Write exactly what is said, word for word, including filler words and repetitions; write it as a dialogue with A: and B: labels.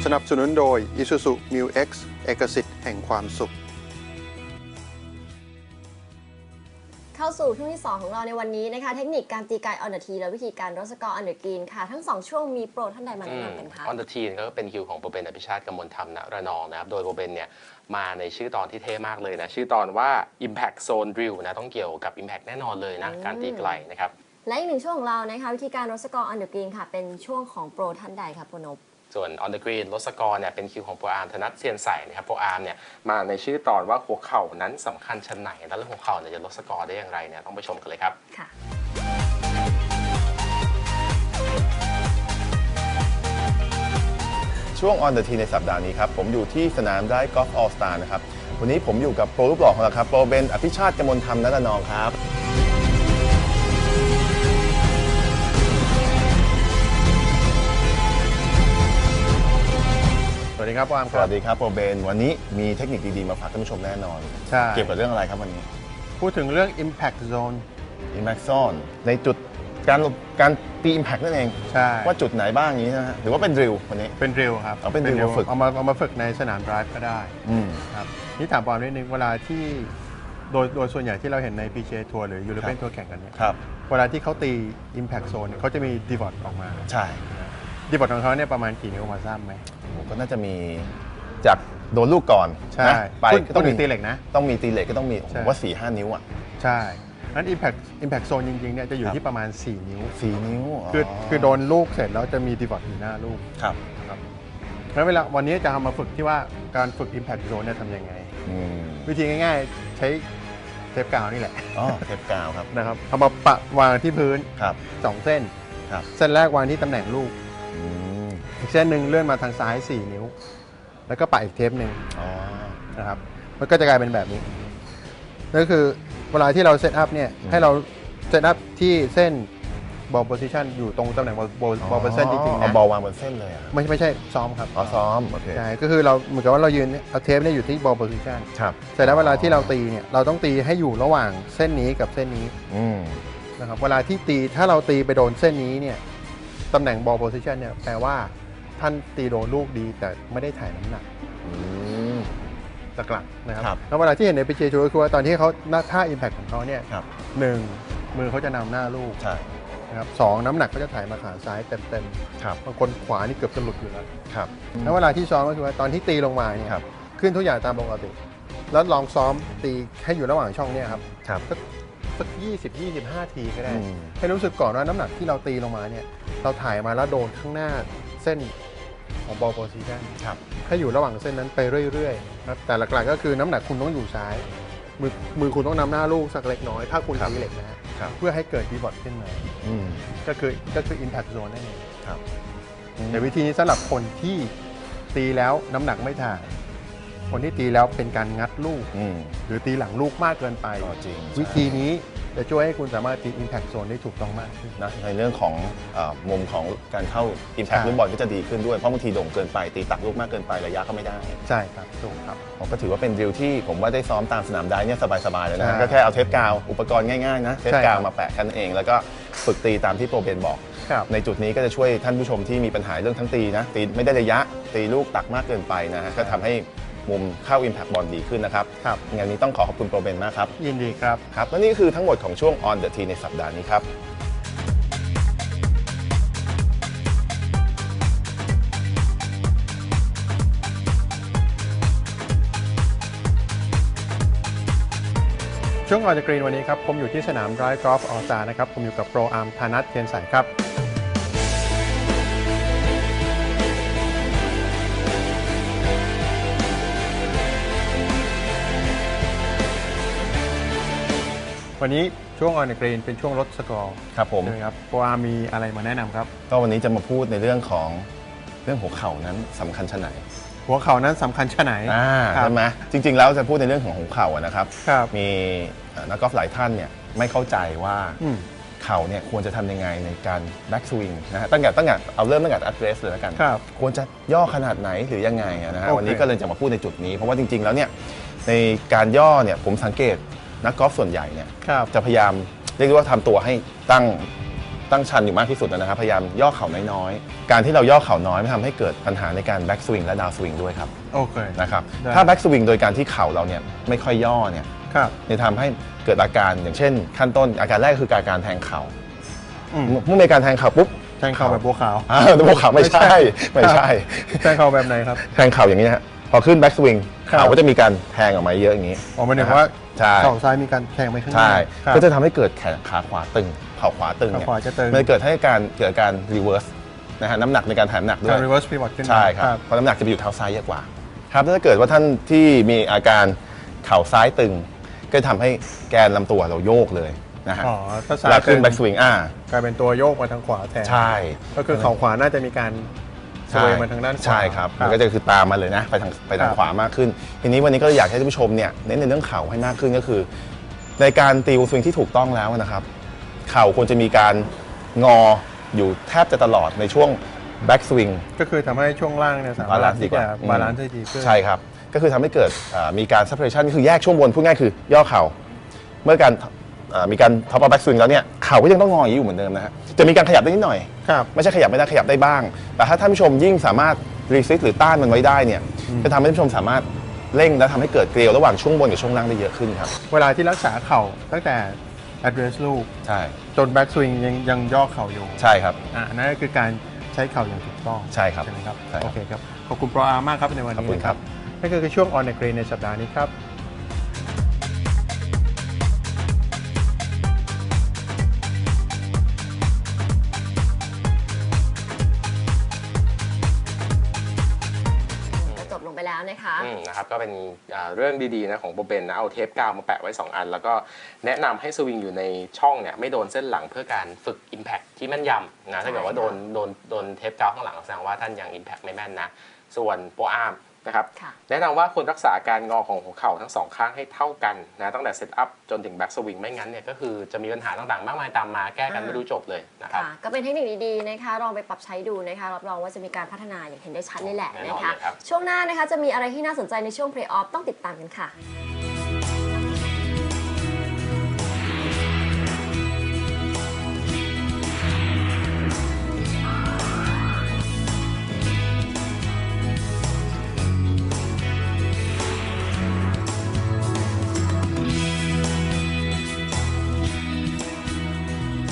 A: สนับสนุนโดย Isuzu มิว เอ็กซ์ เอกสิทธิ์แห่งความสุข
B: เข้าสู่ช่วงที่สองของเราในวันนี้นะคะเทคนิคการตีไกออนเดอะทีและวิธีการรดสกอร์ออนเดอะกรีนค่ะทั้งสองช่วงมีโปรท่านใดมาแนะนำกันคะ
C: ออนเดอะทีก็เป็นคิวของโปรเบนอภิชาติกมลธรรมณระนองนะครับโดยโปรเบนเนี่ยมาในชื่อตอนที่เท่มากเลยนะชื่อตอนว่า Impact Zone Drill นะต้องเกี่ยวกับ Impact แน่นอนเลยนะการตีไกลนะครับ
B: และอีกหนึ่งช่วงของเรานะคะวิธีการรดสกอร์ออนเดอะกรีนค่ะเป็นช่วงของโปรท่านใดค่ะโปรนพ
C: ส่วน On the Green ลดสกอร์เนี่ยเป็นคิวของโปรอาร์มธนัทเซียนใสนะครับโปรอาร์มเนี่ยมาในชื่อตอนว่าหัวเข่านั้นสำคัญชั้นไหนแล้วเรื่องหัวเข่าเนี่ยจะลดสกอร์ได้อย่างไรเนี่ยต้องไปชมกันเลยครับ
B: ค่ะ
D: ช่วง On the Tee ในสัปดาห์นี้ครับผมอยู่ที่สนามได้กอล์ฟออลสตาร์นะครับวันนี้ผมอยู่กับโปรรูปหล่อของเราครับโปรเบนอภิชาติกมลธรรมณระนองครับ
E: สวัสดีครับปาม
D: สวัสดีครับโปรเบนวันนี้มีเทคนิคดีๆมาฝากท่านผู้ชมแน่นอน
E: ใช่
D: เกี่ยวกับเรื่องอะไรครับวันนี้
E: พูดถึงเรื่อง Impact Zone
D: Impact Zone ในจุดการการตี Impact นั่นเอง
E: ใช่
D: ว่าจุดไหนบ้างนี้นะฮะหรือว่าเป็น drill วันนี้
E: เป็น drill ครับ
D: เอาเป็น drill มาฝึก
E: เอามาเอามาฝึกในสนาม drive ก็ได้ครับนี่ถามปามนิดนึงเวลาที่โดยโดยส่วนใหญ่ที่เราเห็นใน พี จี เอ ทัวร์หรือ European ทัวร์แข่งกันเนี่ยเวลาที่เขาตี Impact Zone เขาจะมี divot ออกมา
D: ใช่
E: divot ของเขาเนี่ยประมาณกี่นิ้วมาทราบไหม
D: ก็น่าจะมีจากโดนลูกก่อน
E: ใช่ไปต้องมีตีเหล็กนะ
D: ต้องมีตีเหล็กก็ต้องมีผมว่า สี่ห้า นิ้วอ่ะ
E: ใช่นั้น Impact Impact Zone จริงๆเนี่ยจะอยู่ที่ประมาณสี่นิ้ว
D: สี่นิ้ว
E: คือคือโดนลูกเสร็จแล้วจะมี divot อยู่หน้าลูก
D: ครับ
E: ครับแล้วเวลาวันนี้จะทำมาฝึกที่ว่าการฝึก Impact Zone เนี่ยทำยังไงวิธีง่ายๆใช้เทปกาวนี่แหละ
D: อ๋อเทปกาวครับ
E: นะครับเอามาปะวางที่พื้นสองเส้นเส้นแรกวางที่ตำแหน่งลูกอีกเส้นหนึ่งเลื่อนมาทางซ้ายสี่นิ้วแล้วก็ปะอีกเทปหนึ่งนะครับมันก็จะกลายเป็นแบบนี้นั่นก็คือเวลาที่เราเซตอัพเนี่ยให้เราเซตอัพที่เส้นบอลโพซิชันอยู่ตรงตำแหน่งบอลบอลโพซิชันจริงๆนะ
D: เอาบอลวางบนเส้นเลย
E: ไม่ไม่ใช่ซ้อมครับ
D: อ๋อซ้อมโอเค
E: ใช่ก็คือเราเหมือนกับว่าเรายืนเอาเทปเนี่ยอยู่ที่บอลโพซิชัน
D: ครับ
E: เสร็จแล้วเวลาที่เราตีเนี่ยเราต้องตีให้อยู่ระหว่างเส้นนี้กับเส้นนี้นะครับเวลาที่ตีถ้าเราตีไปโดนเส้นนี้เนี่ยตำแหน่งบอลโพซิชันเนี่ยแปลว่าท่านตีโดนลูกดีแต่ไม่ได้ถ่ายน้ำหนักหลักๆนะครับแล้วเวลาที่เห็นใน พี จี เอ ทัวร์คือว่าตอนที่เขาท่า Impact ของเขาเนี่ยหนึ่งมือเขาจะนำหน้าลูกนะครับสองน้ำหนักก็จะถ่ายมาขาซ้ายเต็มๆบางคนขวานี่เกือบจะหลุดอยู่แล้วแล้วเวลาที่ซ้อมก็คือว่าตอนที่ตีลงมาเนี่ยขึ้นทุกอย่างตามปกติแล้วลองซ้อมตีให้อยู่ระหว่างช่องเนี่ยครับสักยี่สิบ ยี่สิบห้าทีก็ได้ให้รู้สึกก่อนว่าน้ำหนักที่เราตีลงมาเนี่ยเราถ่ายมาแล้วโดนข้างหน้าเส้นของบอลโพซิชันให้อยู่ระหว่างเส้นนั้นไปเรื่อยๆครับแต่หลักๆก็คือน้ำหนักคุณต้องอยู่ซ้ายมือมือคุณต้องนำหน้าลูกสักเล็กน้อยถ้าคุณตีเหล็กนะเพื่อให้เกิดดีบอทขึ้นมาก็คือก็คือ Impact Zone นั่นเองแต่วิธีนี้สำหรับคนที่ตีแล้วน้ำหนักไม่ถ่ายคนที่ตีแล้วเป็นการงัดลูกหรือตีหลังลูกมากเกินไปวิธีนี้จะช่วยให้คุณสามารถตี Impact Zone ได้ถูกต้องมากขึ้น
D: นะในเรื่องของมุมของการเข้า Impact ลูกบอลก็จะดีขึ้นด้วยเพราะบางทีโด่งเกินไปตีตักลูกมากเกินไประยะก็ไม่ได้
E: ใช่ครับถูกครับ
D: ผมก็ถือว่าเป็นดริลที่ผมว่าได้ซ้อมตามสนามได้เนี่ยสบายๆเลยนะก็แค่เอาเทปกาวอุปกรณ์ง่ายๆนะเทปกาวมาแปะแค่นั้นเองแล้วก็ฝึกตีตามที่โปรเบนบอกในจุดนี้ก็จะช่วยท่านผู้ชมที่มีปัญหาเรื่องทั้งตีนะตีไม่ได้ระยะตีลูกตักมากเกินไปนะฮะก็ทำให้มุมเข้า Impact บอลดีขึ้นนะครับงานนี้ต้องขอขอบคุณโปรเบนมากครับ
E: ยินดีครับ
D: ครับและนี่คือทั้งหมดของช่วง On the Tee ในสัปดาห์นี้ครับ
E: ช่วง On the Green วันนี้ครับผมอยู่ที่สนาม Drive Golf All Star นะครับผมอยู่กับโปรอาร์มธนัทเทียนใสครับวันนี้ช่วง On the Green เป็นช่วงลดสกอร์
D: ครับผม
E: ครับโปรอาร์มมีอะไรมาแนะนำครับ
D: ก็วันนี้จะมาพูดในเรื่องของเรื่องหัวเข่านั้นสำคัญชะไหน
E: หัวเข่านั้นสำคัญชะไหน
D: ใช่ไหมจริงๆแล้วจะพูดในเรื่องของหัวเข่านะครับมีนักกอล์ฟหลายท่านเนี่ยไม่เข้าใจว่าเข่าเนี่ยควรจะทำยังไงในการแบ็กสวิงนะฮะตั้งแต่ตั้งแต่เอาเริ่มตั้งแต่ address เลยแล้วกันควรจะย่อขนาดไหนหรือยังไงนะฮะวันนี้ก็เลยจะมาพูดในจุดนี้เพราะว่าจริงๆแล้วเนี่ยในการย่อเนี่ยผมสังเกตนักกอล์ฟส่วนใหญ่เนี่ยจะพยายามเรียกว่าทำตัวให้ตั้งตั้งชันอยู่มากที่สุดนะครับพยายามย่อเข่าน้อยๆการที่เราย่อเข่าน้อยไม่ทำให้เกิดปัญหาในการแบ็กสวิงและดาวสวิงด้วยครับ
E: โอเค
D: นะครับถ้าแบ็กสวิงโดยการที่เข่าเราเนี่ยไม่ค่อยย่อเนี่ยจะทำให้เกิดอาการอย่างเช่นขั้นต้นอาการแรกคือการการแทงเข่าเมื่อมีการแทงเข่าปุ๊บ
E: แทงเข่าแบบบัวขาว
D: อ่าบัวขาวไม่ใช่ไม่ใช่
E: แทงเข่าแบบไหนครับ
D: แทงเข่าอย่างนี้ฮะพอขึ้นแบ็กสวิงเข่าก็จะมีการแทงออกมาเยอะอย่างนี้
E: ออกมาเนี่ยว่าเข่าซ้ายมีการแทงไปข้างหน้า
D: ใช่ก็จะทำให้เกิดแขนขาขวาตึงเข่าขวาตึงเนี่ยมันเกิดให้การเกิดการรีเวิร์สนะฮะน้ำหนักในการถ่ายน้ำหนักด้วย
E: การรีเวิร์สพีวอตขึ้น
D: ใช่ครับเพราะน้ำหนักจะไปอยู่เท้าซ้ายเยอะกว่าครับถ้าเกิดว่าท่านที่มีอาการเข่าซ้ายตึงก็ทำให้แกนลำตัวเราโยกเลยนะฮะแล้วขึ้นแบ็กสวิงอ่าก
E: ลายเป็นตัวโยกมาทางขวาแทน
D: ใช่
E: ก็คือเข่าขวาน่าจะมีการสวยมาทางด้านขวา
D: ใช่ครับมันก็จะคือตามมาเลยนะไปทางไปทางขวามากขึ้นทีนี้วันนี้ก็อยากให้ท่านผู้ชมเนี่ยเน้นในเรื่องเข่าให้มากขึ้นก็คือในการตีวงสวิงที่ถูกต้องแล้วนะครับเข่าควรจะมีการงออยู่แทบจะตลอดในช่วงแบ็กสวิง
E: ก็คือทำให้ช่วงล่างเนี่ยสามารถที่จะบาลานซ์ได้ดีขึ้น
D: ใช่ครับก็คือทำให้เกิดมีการ separation คือแยกช่วงบนพูดง่ายคือย่อเข่าเมื่อการมีการท็อปอัพแบ็กสวิงแล้วเนี่ยเข่าก็ยังต้องงออยู่เหมือนเดิมนะฮะจะมีการขยับได้นิดหน่อยไม่ใช่ขยับไม่ได้ขยับได้บ้างแต่ถ้าท่านผู้ชมยิ่งสามารถรีซิสหรือต้านมันไว้ได้เนี่ยจะทำให้ท่านผู้ชมสามารถเร่งและทำให้เกิดเกลียวระหว่างช่วงบนกับช่วงล่างได้เยอะขึ้นครับ
E: เวลาที่รักษาเข่าตั้งแต่ address ลูก
D: ใช่
E: จนแบ็กสวิงยังยังย่อเข่าอยู่
D: ใช่ครับ
E: อ่านั่นก็คือการใช้เข่าอย่างถูกต้อง
D: ใช่ครับ
E: ใช่ไหมครับโอเคครับขอบคุณโปรอาร์มากครับในวันนี้นะครับนั่นก็คือช่วง On the Green ในสัปดาห์นี้ครับ
B: ไปแล้วนะคะ
C: นะครับก็เป็นเรื่องดีๆนะของโปรเบนนะเอาเทปกาวมาแปะไว้สองอันแล้วก็แนะนำให้สวิงอยู่ในช่องเนี่ยไม่โดนเส้นหลังเพื่อการฝึก Impact ที่แม่นยำนะถ้าเกิดว่าโดนโดนโดนเทปกาวข้างหลังแสดงว่าท่านยัง Impact ไม่แม่นนะส่วนโปรอาร์มนะครับแนะนำว่าควรรักษาการงอของหัวเข่าทั้งสองข้างให้เท่ากันนะตั้งแต่เซตอัพจนถึงแบ็กสวิงไม่งั้นเนี่ยก็คือจะมีปัญหาต่างๆมากมายตามมาแก้กันไม่รู้จบเลยนะครับ
B: ก็เป็นเทคนิคดีๆนะคะลองไปปรับใช้ดูนะคะรับรองว่าจะมีการพัฒนาอย่างเห็นได้ชัดเลยแหละนะคะช่วงหน้านะคะจะมีอะไรที่น่าสนใจในช่วงเพลย์ออฟต้องติดตามกันค่ะ